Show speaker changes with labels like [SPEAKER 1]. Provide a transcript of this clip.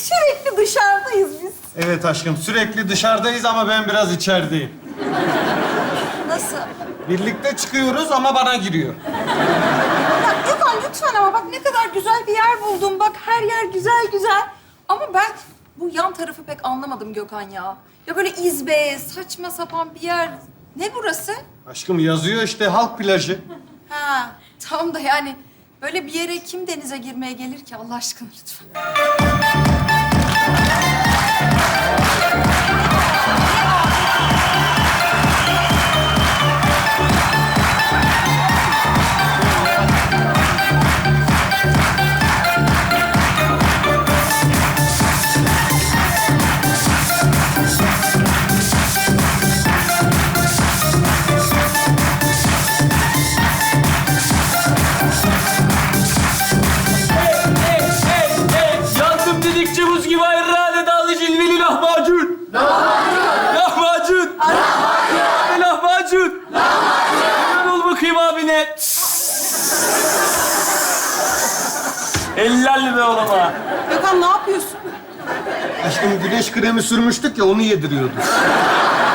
[SPEAKER 1] Sürekli dışarıdayız biz.
[SPEAKER 2] Evet aşkım, sürekli dışarıdayız ama ben biraz içerideyim.
[SPEAKER 1] Nasıl?
[SPEAKER 2] Birlikte çıkıyoruz ama bana giriyor.
[SPEAKER 1] Ya Gökhan lütfen ama bak ne kadar güzel bir yer buldum. Bak her yer güzel güzel. Ama ben bu yan tarafı pek anlamadım Gökhan ya. Ya böyle izbe, saçma sapan bir yer. Ne burası?
[SPEAKER 2] Aşkım yazıyor işte, halk plajı.
[SPEAKER 1] Ha, tamam da yani böyle bir yere kim denize girmeye gelir ki Allah aşkına lütfen.
[SPEAKER 3] Yandım dedikçe buz gibi ayrı dağlı cilveli lahmacun. Lahmacun. Lahmacun. Hemen ol bakayım abine. Ellerle be oğluma.
[SPEAKER 1] Gökhan ne yapıyorsun?
[SPEAKER 2] Aşkım güneş kremi sürmüştük ya, onu yediriyordu.